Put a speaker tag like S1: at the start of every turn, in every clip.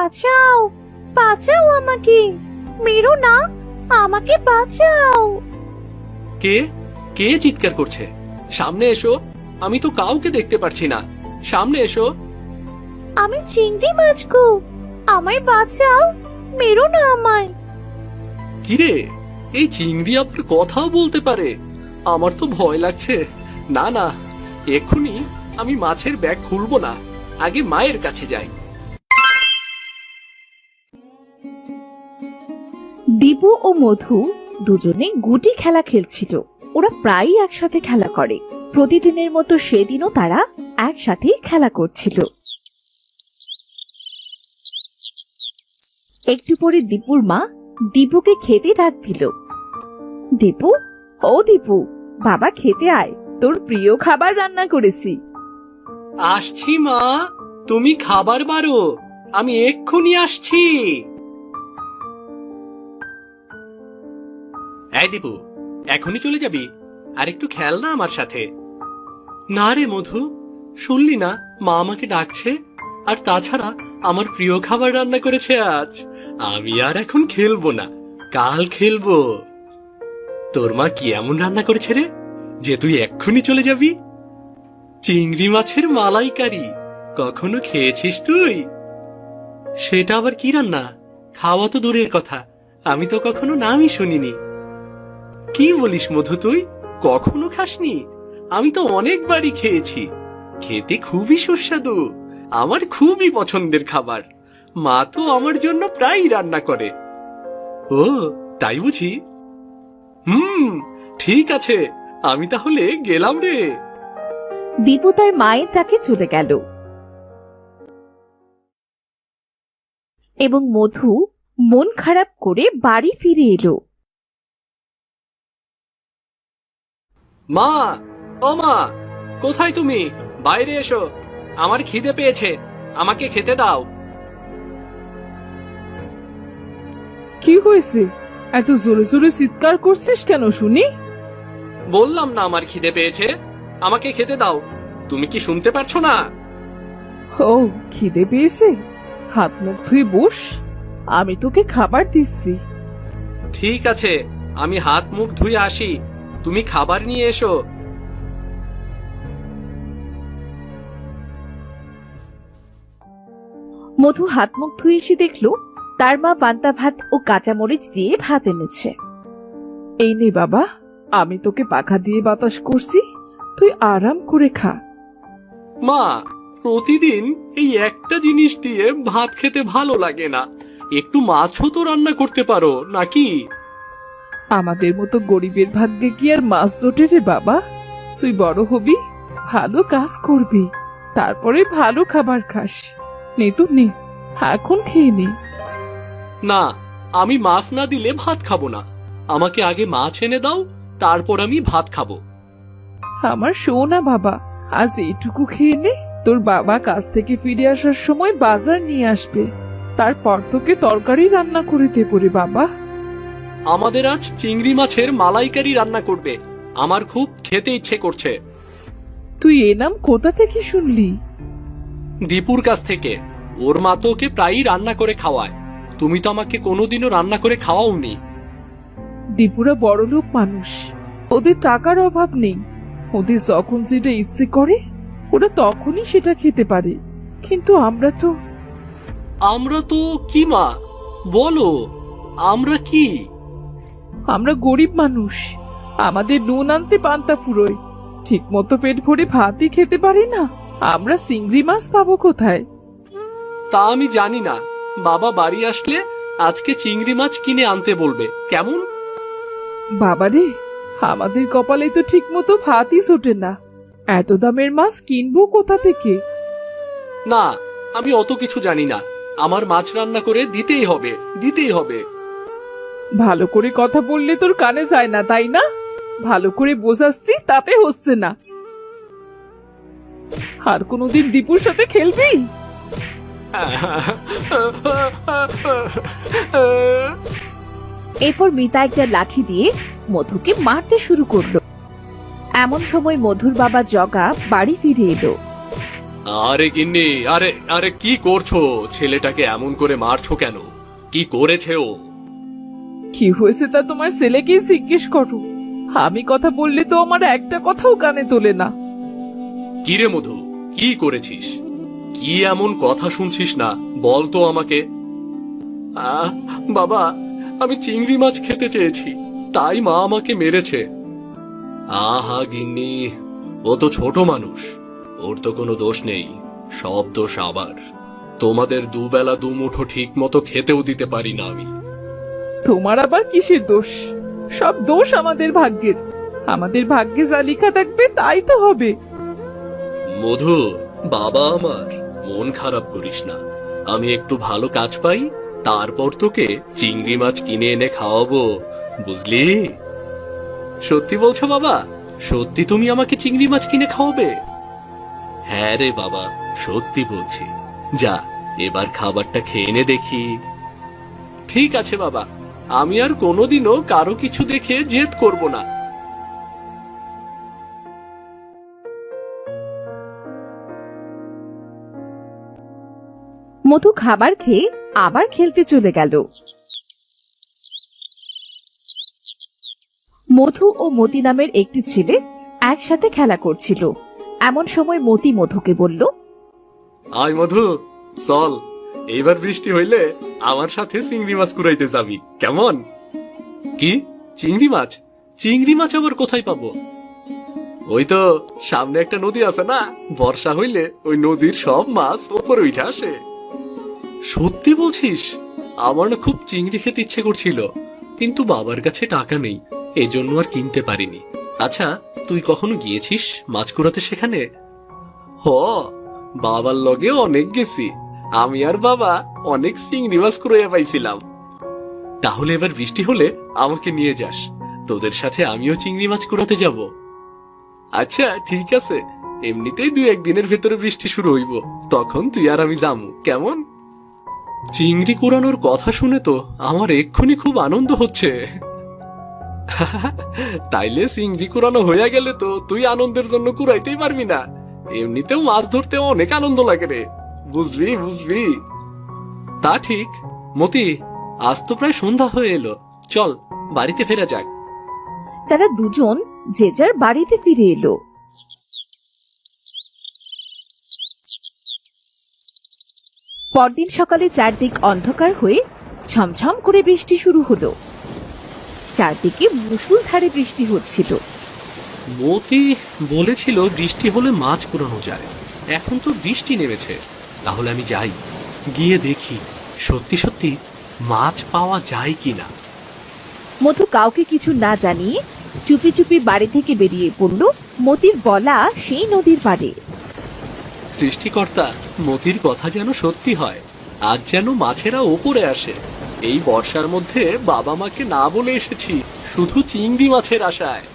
S1: বাঁচাও, বাঁচাও আমাকে, মেরো না, আমাকে বাঁচাও।
S2: কে কে চিৎকার করছে? সামনে এসো, আমি তো কাউকে দেখতে পারছি না। সামনে এসো।
S1: আমি চিংড়ি মাছ গো, আমায় বাঁচাও, মেরো না আমায়।
S2: কিরে, এই চিংড়ি আবার কথাও বলতে পারে? আমার তো ভয় লাগছে। না না, এক্ষুনি আমি মাছের ব্যাগ খুলবো না, আগে মায়ের কাছে যাই।
S3: দীপু ও মধু দুজনে গুটি খেলা খেলছিল। ওরা প্রায়ই একসাথে খেলা করে। প্রতিদিনের মতো সেদিনও তারা একসাথে খেলা করছিল। একটু পরে দীপুর মা দীপুকে খেতে ডাক দিল। দীপু, ও দীপু, বাবা খেতে আয়, তোর প্রিয় খাবার রান্না করেছি।
S2: আসছি মা, তুমি খাবার বারো, আমি এক্ষুনি আসছি। এই দীপু, এখনই চলে যাবি? আর একটু খেল না আমার সাথে। না রে মধু, শুনলি না মা আমাকে ডাকছে? আর তাছাড়া আমার প্রিয় খাবার রান্না করেছে আজ। আমি আর এখন খেলবো না, কাল খেলবো। তোর মা কি এমন রান্না করেছে রে যে তুই এক্ষুনি চলে যাবি? চিংড়ি মাছের মালাইকারি, কখনো খেয়েছিস তুই? সেটা আবার কি রান্না? খাওয়া তো দূরের কথা, আমি তো কখনো নামই শুনিনি। কি বলিস মধু, তুই কখনো খাসনি? আমি তো অনেকবারই খেয়েছি, খেতে খুবই সুস্বাদু, আমার খুবই পছন্দের খাবার। মা তো আমার জন্য প্রায়ই রান্না করে। ও তাই বুঝি? ঠিক আছে, আমি তাহলে গেলাম রে।
S3: দীপু তার মায়ের ডাকে চলে গেল এবং মধু মন খারাপ করে বাড়ি ফিরে এলো।
S2: মা, ও মা, কোথায় তুমি? বাইরে এসো, আমার খিদে পেয়েছে, আমাকে খেতে দাও।
S4: কি হয়েছে? এত জোরে জোরে চিৎকার করছিস কেন শুনি?
S2: বললাম না আমার খিদে পেয়েছে, আমাকে খেতে দাও। তুমি কি শুনতে পারছো না?
S4: ও, খিদে পেয়েছে? হাত মুখ ধুয়ে বস, আমি তোকে খাবার দিচ্ছি।
S2: ঠিক আছে, আমি হাত মুখ ধুয়ে আসি, তুমি খাবার নিয়ে এসো।
S3: মধু হাত মুখ ধুয়ে এসে দেখলো তার মা পান্তা ভাত ও কাঁচামরিচ দিয়ে ভাত এনেছে।
S4: এই নে বাবা, আমি তোকে পাখা দিয়ে বাতাস করছি, তুই আরাম করে খা।
S2: মা, প্রতিদিন এই একটা জিনিস দিয়ে ভাত খেতে ভালো লাগে না, একটু মাছও তো রান্না করতে পারো নাকি?
S4: আমাদের মতো গরিবের ভাগ্যে কি আর মাছ জোটে রে বাবা? তুই বড় হবি, ভালো কাজ করবি, তারপরে ভালো খাবার খাস। নে তো নে, এখন খেয়ে নে।
S2: না, আমি মাছ না দিলে ভাত খাবো না, আমাকে আগে মাছ এনে দাও, তারপর আমি ভাত খাবো।
S4: আমার সোনা বাবা, আজ এইটুকু খেয়ে নে, তোর বাবা কাজ থেকে ফিরে আসার সময় বাজার নিয়ে আসবে, তারপর তোকে তরকারি রান্না করে দেবো রে বাবা।
S2: আমাদের আজ চিংড়ি মাছের মালাইকারি রান্না করবে, আমার খুব খেতে ইচ্ছে করছে।
S4: তুই এ নাম কোথা থেকে শুনলি?
S2: দীপুর কাছ থেকে, ওর মা তো ওকে প্রায়ই রান্না করে খাওয়ায়, তুমি তো আমাকে কোনোদিনও রান্না করে খাওয়াওনি।
S4: দীপুরা বড়লোক মানুষ, ওদের টাকার অভাব নেই, ওদের যখন যেটা ইচ্ছে করে ওরা তখনই সেটা খেতে পারে, কিন্তু আমরা
S2: তো কি মা, বলো, আমরা কি?
S4: আমরা গরিব মানুষ, আমাদের নুন আনতে পান্তা ফুরোয়, ঠিক মতো পেট ভরে ভাতই খেতে পারি না, আমরা চিংড়ি মাছ পাবো কোথায়?
S2: তা আমি জানি না, বাবা বাড়ি আসলে আজকে চিংড়ি মাছ কিনে আনতে বলবে, কেমন?
S4: বাবারে, আমাদের কপালে তো ঠিক মতো ভাতই জোটে না, এত দামের মাছ কিনবো কোথা থেকে?
S2: না, আমি অত কিছু জানি না, আমার মাছ রান্না করে দিতেই হবে, দিতেই হবে।
S4: ভালো করে কথা বললে তোর কানে যায় না তাই না? ভালো করে বোঝাচ্ছি, তাতে হচ্ছে না। আর কোনোদিন দীপুর সাথে খেলবি?
S3: এরপর মিতা একটা লাঠি দিয়ে মধুকে মারতে শুরু করলো। এমন সময় মধুর বাবা জগা বাড়ি ফিরে এলো।
S2: আরে গিন্নি, আরে আরে কি করছো? ছেলেটাকে এমন করে মারছো কেন? কি করেছে ও?
S4: কি হয়েছে তা তোমার ছেলেকেই জিজ্ঞেস করো। আমি কথা বললে তো আমার একটা কথাও কানে তোলে না।
S2: কি রে মধু, কি করেছিস? কি এমন কথা শুনছিস না, বল তো আমাকে। বাবা, আমি চিংড়ি মাছ খেতে চেয়েছি, তাই মা আমাকে মেরেছে। আহা গিন্নি, ও তো ছোট মানুষ, ওর তো কোনো দোষ নেই, সব দোষ আবার। তোমাদের দুবেলা দুমুঠো ঠিক মতো খেতেও দিতে পারি না আমি।
S4: তোমার আবার কিসের দোষ? সব দোষ আমাদের ভাগ্যের। আমাদের ভাগ্যে যা লেখা থাকবে তাই তো হবে।
S2: মধু, বাবা আমার, মন খারাপ করিস না। আমি একটু ভালো কাজ পাই, তারপর তোকে চিংড়ি মাছ কিনে এনে খাওয়াবো, বুঝলি? সত্যি বলছো বাবা? সত্যি তুমি আমাকে চিংড়ি মাছ কিনে খাওয়াবে? হ্যাঁ রে বাবা, সত্যি বলছি। যা, এবার খাবারটা খেয়ে নে দেখি। ঠিক আছে বাবা, আমি আর কোনোদিনও কারো কিছু দেখে জেদ করব না।
S3: মধু খাবার খেয়ে আবার খেলতে চলে গেল। মধু ও মতি নামের একটি ছেলে একসাথে খেলা করছিল। এমন সময় মতি মধুকে বলল,
S2: আয় মধু, চল, এইবার বৃষ্টি হইলে আমার সাথে চিংড়ি মাছ কুড়াইতে যাবি, কেমন? কি চিংড়ি মাছ? চিংড়ি মাছ আবার কোথায় পাবো? ওই তো সামনে একটা নদী আছে না, বর্ষা হইলে ওই নদীর সব মাছ ওপরে উঠে আসে। সত্যি বলছিস? আমার না খুব চিংড়ি খেতে ইচ্ছে করছিল, কিন্তু বাবার কাছে টাকা নেই, এজন্য আর কিনতে পারিনি। আচ্ছা, তুই কখনো গিয়েছিস মাছ কুড়াতে সেখানে? হ, বাবার লগে অনেক গেছি, আমি আর বাবা অনেক চিংড়ি মাছ কুড়াইয়া পাইছিলাম। তাহলে এবার বৃষ্টি হলে আমাকে নিয়ে যাস, তোদের সাথে আমিও চিংড়ি মাছ কুড়াতে যাব। আচ্ছা ঠিক আছে, এমনিতেই 2-1 দিনের ভেতরে বৃষ্টি শুরু হইব, তখন তুই আর আমি যামু, কেমন? চিংড়ি কুড়ানোর কথা শুনে তো আমার এক্ষুনি খুব আনন্দ হচ্ছে। তাইলে চিংড়ি কুড়ানো হইয়া গেলে তো তুই আনন্দের জন্য কুড়াইতেই পারবি না। এমনিতেও মাছ ধরতে অনেক আনন্দ লাগে রে, বুঝবি বুঝবি। তা ঠিক। মতি, আজ তো প্রায় সন্ধ্যা হয়ে এলো, চল বাড়িতে ফেরা যাক।
S3: তারা দুজন যে যার বাড়িতে ফিরে এলো। পরদিন সকালে চারদিক অন্ধকার হয়ে ঝমঝম করে বৃষ্টি শুরু হলো। চারদিকে মুষলধারে বৃষ্টি হচ্ছিল।
S2: মতি বলেছিল বৃষ্টি হলে মাছ কুড়ানো যায়, এখন তো বৃষ্টি নেমেছে, তাহলে আমি যাই, গিয়ে দেখি সত্যি সত্যি মাছ পাওয়া যায় কিনা।
S3: মধু কাউকে কিছু না জানিয়ে চুপি চুপি বাড়ি থেকে বেরিয়ে পড়ল মতির বলা সেই নদীর পাড়ে।
S2: সৃষ্টিকর্তা, মতির কথা যেন সত্যি হয়, আজ যেন মাছেরা ওপরে আসে। এই বর্ষার মধ্যে বাবা মাকে না বলে এসেছি শুধু চিংড়ি মাছের আশায়।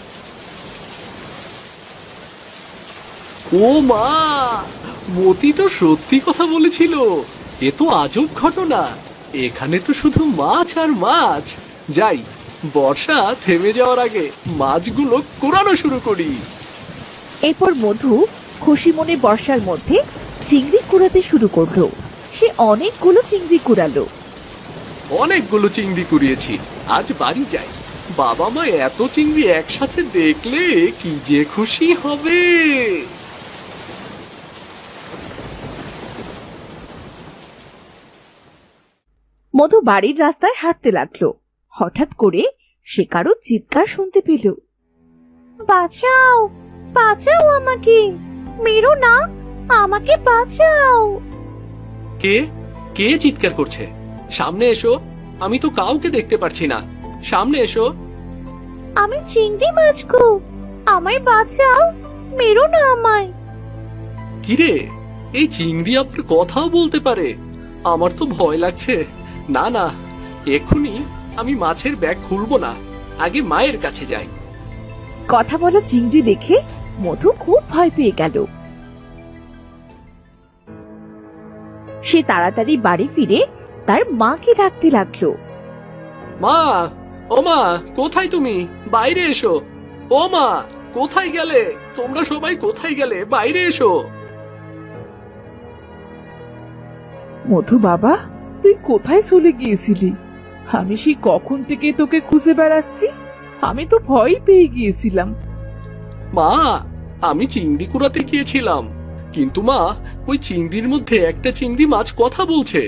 S2: ও মা, মতি তো সত্যি কথা বলেছিল, এ তো আজব ঘটনা। এখানে তো শুধু মাছ আর মাছ। যাই, বর্ষা থেমে যাওয়ার আগে মাছগুলো কুড়ানো শুরু করি।
S3: এরপর মধু খুশি মনে বর্ষার মধ্যে চিংড়ি কুড়াতে শুরু করলো। সে অনেকগুলো চিংড়ি কুড়ালো।
S2: অনেকগুলো চিংড়ি কুড়িয়েছি, আজ বাড়ি যাই, বাবা মা এত চিংড়ি একসাথে দেখলে কি যে খুশি হবে।
S3: মধু বাড়ির রাস্তায় হাঁটতে লাগলো। হঠাৎ করে সে কারো চিৎকার শুনতে পেল।
S1: বাঁচাও, বাঁচাও আমাকে, মেরো না, আমাকে বাঁচাও।
S2: কে কে চিৎকার করছে? সামনে এসো, আমি তো কাউকে দেখতে পারছি না, সামনে এসো।
S1: আমি চিংড়ি মাছ গো, আমায় বাঁচাও, মেরো না আমায়।
S2: কিরে, এই চিংড়ি আবার কথাও বলতে পারে? আমার তো ভয় লাগছে। না না, এক্ষুনি আমি মাছের ব্যাগ খুলবো না, আগে মায়ের কাছে যাই।
S3: কথা বলা চিংড়ি দেখে মধু খুব ভয় পেয়ে গেল। সে তাড়াতাড়ি বাড়ি ফিরে তার মাকে ডাকতে লাগলো।
S2: মা, ও মা, কোথায় তুমি? বাইরে এসো। ও মা, কোথায় গেলে তোমরা? সবাই কোথায় গেলে? বাইরে এসো।
S4: মধু বাবা, তুই কোথায় চলে গিয়েছিলি? আমি সেই কখন থেকে তোকে খুঁজে বেড়াচ্ছি। আমি তো ভয় পেয়ে গিয়েছিলাম।
S2: মা, আমি চিংড়ি কুড়াতে গিয়েছিলাম, কিন্তু মা, ওই চিংড়ির মধ্যে একটা চিংড়ি মাছ কথা বলছে।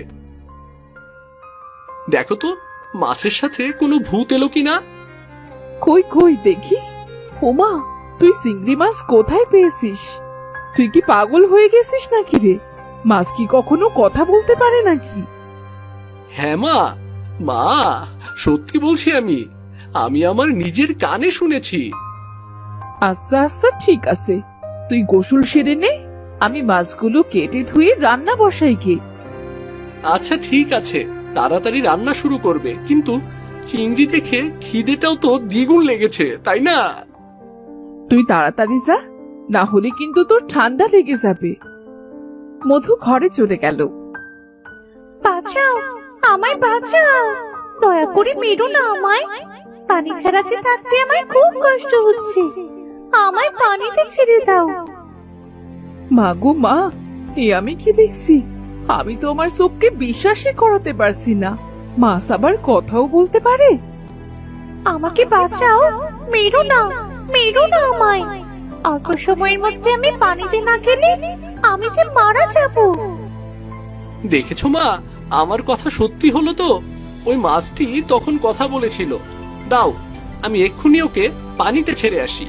S2: দেখো তো, মাছের সাথে কোনো ভূত এলো কিনা।
S4: কই কই দেখি। ওমা, তুই চিংড়ি মাছ কোথায় পেয়েছিস? তুই কি পাগল হয়ে গেছিস নাকি রে? মাছ কি কখনো কথা বলতে পারে নাকি?
S2: হ্যাঁ মা, মা, সত্যি বলছি আমি আমি আমার নিজের কানে শুনেছি।
S4: আচ্ছা আচ্ছা, ঠিক আছে, তুই গোসল সেরে নে। আমি মাছগুলো কেটে ধুয়ে রান্না বসাই গে।
S2: আচ্ছা ঠিক আছে, তাড়াতাড়ি রান্না শুরু করবে, কিন্তু চিংড়ি দেখে খিদেটাও তো দ্বিগুণ লেগেছে, তাই না?
S4: তুই তাড়াতাড়ি যা, না হলে কিন্তু তোর ঠান্ডা লেগে যাবে। মধু ঘরে চলে গেল।
S1: বাঁচাও, আমায় বাঁচাও, দয়া করে মেরো না আমায়। পানি ছাড়া যে থাকতে আমার খুব কষ্ট হচ্ছে, আমায় পানিতে ছেড়ে দাও।
S4: মা গো মা, এ আমি কি দেখছি? আমি তো আমার চোখকে বিশ্বাসই করাতে পারছি না। মাছ আবার কথাও বলতে পারে?
S1: আমাকে বাঁচাও, মেরো না, মেরো না আমায়। অল্প সময়ের মধ্যে আমি পানিতে না গেলে আমি যে মারা যাব।
S2: দেখেছো মা, আমার কথা সত্যি হলো তো। ওই মাছটি তখন কথা বলেছিল। দাও, আমি এক্ষুনি ওকে পানিতে ছেড়ে আসি।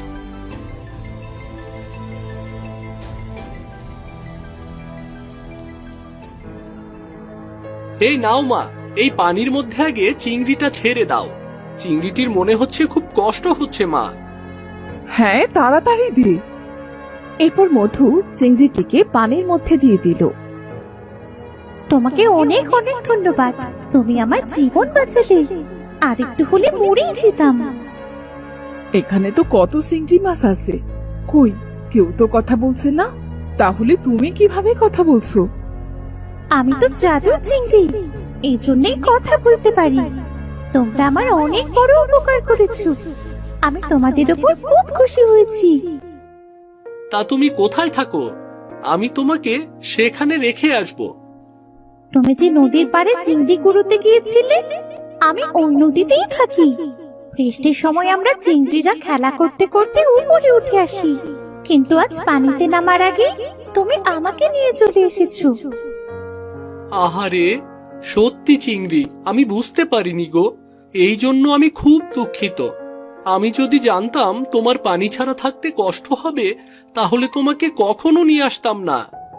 S2: এই নাও মা, এই পানির মধ্যে আগে চিংড়িটা ছেড়ে দাও। চিংড়িটির মনে হচ্ছে খুব কষ্ট হচ্ছে মা।
S4: হ্যাঁ, তাড়াতাড়ি দে।
S3: এরপর মধু চিংড়িটিকে পানির মধ্যে দিয়ে দিল।
S1: তোমাকে অনেক অনেক ধন্যবাদ, তুমি আমার জীবন বাঁচালে। আর একটু হলে মরেই যেতাম।
S4: এখানে তো কত চিংড়ি মাছ আছে, কই কেউ তো কথা বলছে না। তাহলে তুমি কিভাবে কথা বলছো?
S1: আমি তো জাদুর চিংড়ি, এই জন্যই কথা বলতে পারি। তোমরা আমার অনেক বড় উপকার করেছো, আমি তোমাদের উপর খুব খুশি হয়েছি।
S2: তা তুমি কোথায় থাকো? আমি তোমাকে সেখানে রেখে আসবো।
S1: তুমি যে নদীর পাড়ে চিংড়ি কুড়োতে গিয়েছিলে, আমি ওই নদীতেই থাকি। বৃষ্টির সময় আমরা চিংড়িরা খেলা করতে করতে উপরে উঠে আসি, কিন্তু আজ পানিতে নামার আগে তুমি আমাকে নিয়ে চলে এসেছো।
S2: আহারে, সত্যি চিংড়ি, আমি বুঝতে পারিনি গো। এই জন্য আমি খুব দুঃখিত। আমি যদি জানতাম তোমার পানি ছাড়া থাকতে কষ্ট হবে, তাহলে তোমাকে কখনো নিয়ে আসতাম না।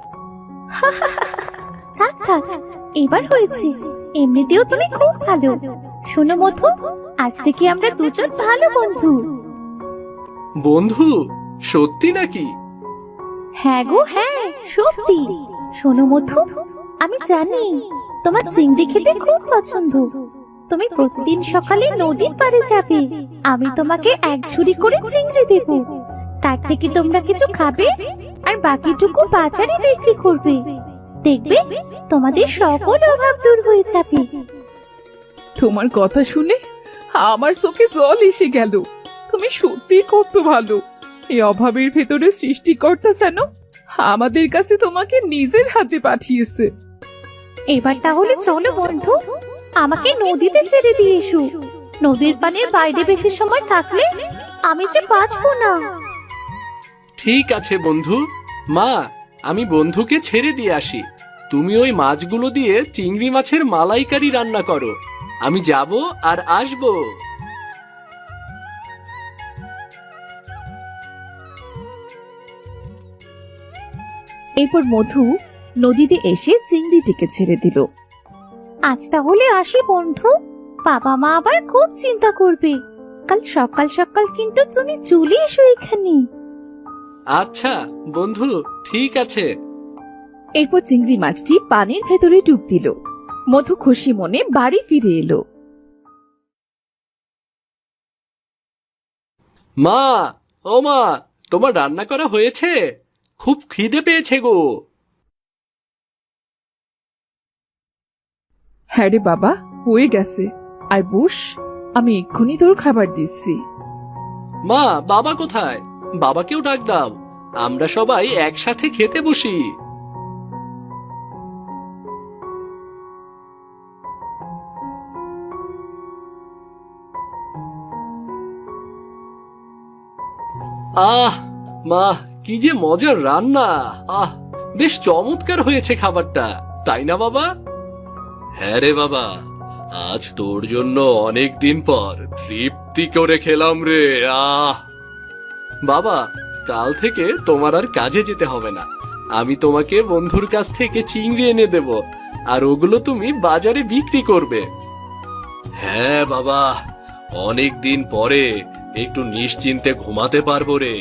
S1: থাক থাক, এবার হয়েছে। এমনিতেও তুমি খুব ভালো। শোনো মধু, আজ থেকে আমরা দুজন ভালো বন্ধু।
S2: বন্ধু? সত্যি নাকি?
S1: হ্যাঁ গো হ্যাঁ, সত্যি। শোনো মধু, আমি জানি তোমার চিংড়ি খেতে খুব পছন্দ। তুমি প্রতিদিন সকালে নদীর পাড়ে যাবে, আমি তোমাকে এক ঝুড়ি করে চিংড়ি দেব। তার থেকে তোমরা কিছু খাবে আর বাকিটুকু বাজারে বিক্রি করবে। দেখবে তোমাদের সকল অভাব দূর হয়ে যাবে।
S4: তোমার কথা শুনে আমার চোখে জল এসে গেল। তুমি সত্যি কত ভালো। এই অভাবের ভেতরে সৃষ্টিকর্তা যেন আমাদের কাছে তোমাকে নিজের হাতে পাঠিয়েছে।
S1: এবার তাহলে চলো বন্ধু, আমাকে নদীতে ছেড়ে দিয়ে এসো। নদীর পানে বাইরে বেশি সময় থাকলে আমি যে বাঁচবো না।
S2: ঠিক আছে বন্ধু। মা, আমি বন্ধুকে ছেড়ে দিয়ে আসি। তুমি ওই মাছগুলো দিয়ে চিংড়ি মাছের মালাইকারি রান্না করো। আমি যাব আর আসবো।
S3: এরপর মধু নদীতে এসে চিংড়িটিকে ছেড়ে দিল।
S1: আজ তাহলে আসি বন্ধু, বাবা মা আবার খুব চিন্তা করবে। কাল সকাল সকাল কিন্তু তুমি চলে এসো এখানে।
S2: আচ্ছা বন্ধু, ঠিক আছে।
S3: এরপর চিংড়ি মাছটি পানির ভেতরে ডুব দিল। মধু খুশি মনে বাড়ি ফিরে এলো।
S2: মা, ও মা, তোমার রান্না করা হয়েছে? খুব খিদে পেয়েছে গো।
S4: হ্যাঁ রে বাবা, হয়ে গেছে। আর বস, আমি এক্ষুনি তোর খাবার দিচ্ছি।
S2: মা, বাবা কোথায়? বাবাকেও ডাক দাও, আমরা সবাই একসাথে খেতে বসি। আহ মা, কি যে মজার রান্না! আহ, বেশ চমৎকার হয়েছে খাবারটা, তাই না বাবা? হ্যাঁ রে বাবা, আজ তোর জন্য অনেক দিন পর তৃপ্তি করে খেলাম রে। বাবা, কাল থেকে তোমার আর কাজে যেতে হবে না। আমি তোমাকে বন্ধুর কাছ থেকে চিংড়ি এনে দেব, আর ওগুলো তুমি বাজারে বিক্রি করবে। হ্যাঁ বাবা, অনেক দিন পরে একটু নিশ্চিন্তে ঘুমাতে পারবো রে।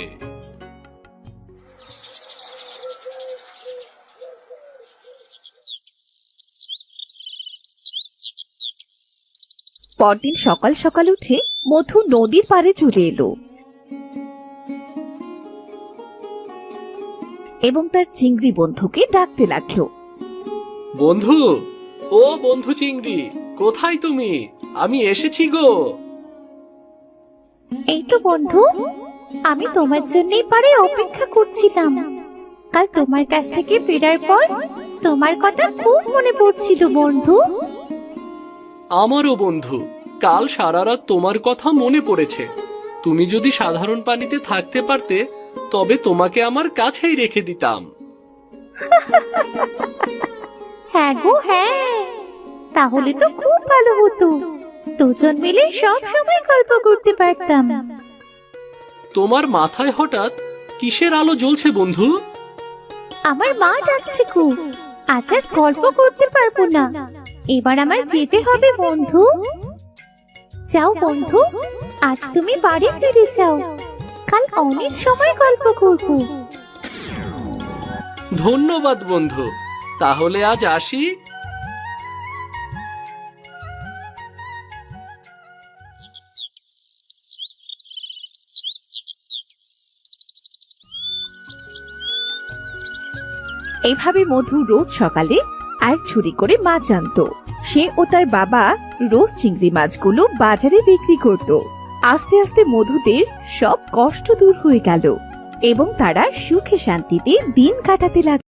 S3: পরদিন সকাল সকাল উঠে মধু নদীর পাড়ে চলে এলো এবং তার চিংড়ি বন্ধুকে ডাকতে লাগলো।
S2: বন্ধু, ও বন্ধু চিংড়ি, কোথায় তুমি? আমি এসেছি গো।
S1: এই তো বন্ধু, আমি তোমার জন্যই পারে অপেক্ষা করছিলাম। কাল তোমার কাছ থেকে ফেরার পর তোমার কথা খুব মনে পড়ছিল বন্ধু।
S2: আমারও বন্ধু, কাল সারা রাত তোমার কথা মনে পড়েছে। তুমি যদি সাধারণ পানিতে থাকতে পারতে, তবে তোমাকে আমার কাছেই রেখে দিতাম।
S1: হ্যাঁ গো হ্যাঁ, তাহলে তো খুব ভালো হতো। দুজন মিলে সব সময় গল্প করতে পারতাম।
S2: তোমার মাথায় হঠাৎ কিসের আলো জ্বলছে বন্ধু?
S1: আমার মা ডাকছে খুব, আজ আর গল্প করতে পারবো না। এবার আমার যেতে হবে বন্ধু। যাও বন্ধু, আজ তুমি বাড়ি ফিরে যাও। কাল অনেক সময় গল্প করব।
S2: ধন্যবাদ বন্ধু, তাহলে আজ আসি।
S3: এইভাবে মধু রোজ সকালে এক ছুরি করে মাছ আনতো। সে ও তার বাবা রোজ চিংড়ি মাছগুলো বাজারে বিক্রি করত। আস্তে আস্তে মধুদের সব কষ্ট দূর হয়ে গেল এবং তারা সুখে শান্তিতে দিন কাটাতে লাগলো।